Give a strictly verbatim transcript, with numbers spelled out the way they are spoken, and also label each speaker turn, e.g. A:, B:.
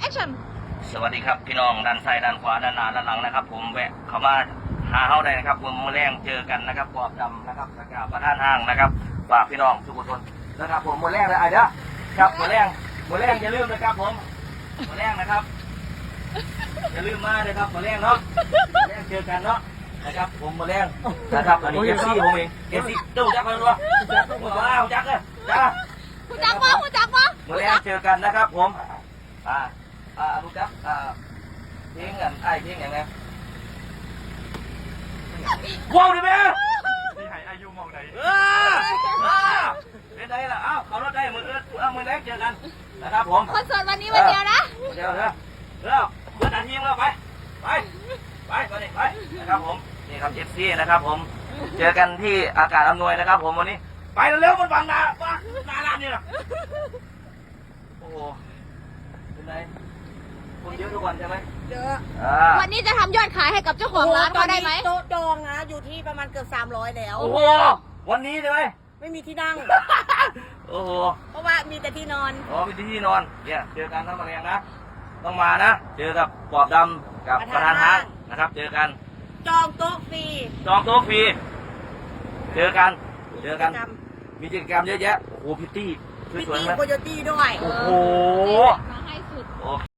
A: action
B: สวัสดีครับพี่น้องด้านซ้ายด้านขวาด้านหน้าด้านหลังนะครับผมแวะเข้ามาหาเขาได้นะครับผมมือแรงเจอกันนะครับปอบดำนะครับสกาประธานห้างนะครับฝากพี่น้องทุกคนนะครับผมมือแรงเลยไอ้เด้อครับมือแรงมือแรงอย่าลืมนะครับผมมือแรงนะครับอย่าลืมมาเลยครับมือแรงเนาะมือแรงเจอกันเนาะนะครับผมมือแรงนะครับอันนี้เอฟซีผมเองเอฟซีเจ้าจักรเลยตัวว้าวจักรเลยจ้า
A: คุณจักวะคุณจักวะ
B: มือแรงเจอกันนะครับผมอ่าอ่ารู้จักอ่าเพลงกันไอ้เพลงอย่างไงว้าวดิแม่
C: ที่หายอายุมองไหน
B: เออเออเป็นไงล่ะอ้าวเขารถได้มือเอื้อเอามือแรงเจอกันนะครับผม
A: คอนเสิร์ตวันนี้วันเดียวนะ
B: เดี๋ยวเดี๋ยวเดี๋ยวเพื่อนอันยิงเราไปไปไปไปนี่ไปนะครับผมนี่ครับเอฟซีนะครับผมเจอกันที่อากาศอำนวยนะครับผมวันนี้ไปเร็วๆมันบังหน้าบังหน้าร้านนี่นะโอ้โหเป็นไงคนเยอะทุกวันใช่ไหม
D: เยอะ
B: อ่า
A: วันนี้จะทำยอดขายให้กับเจ้าของร้านเขาได้ไหม
D: โต๊ะจองนะอยู่ที่ประมาณเกือบสามร้อยแล้ว
B: โอ้โหวันนี้ใช่ไหม
D: ไม่มีที่นั่ง
B: โอ้โห
D: เพราะว่ามีแต่ที่นอน
B: อ๋อมีที่นอนเนี่ยเจอกันทั้งมาแรงนะต้องมานะเจอกับปอบดำกับประธานห้างนะครับ เจอกัน
D: จองโต๊ะฟรี
B: จองโต๊ะฟรีเจอกันเจอกัน
D: จ
B: มีกิจกรรมเยอะแยะโอ้โหพิตตี้
D: ำมี
B: สวย
D: ตี
B: ๆไหม
D: โคโยตี้ด้วย
B: โอ้โห
A: มาให้สุด
B: โอ้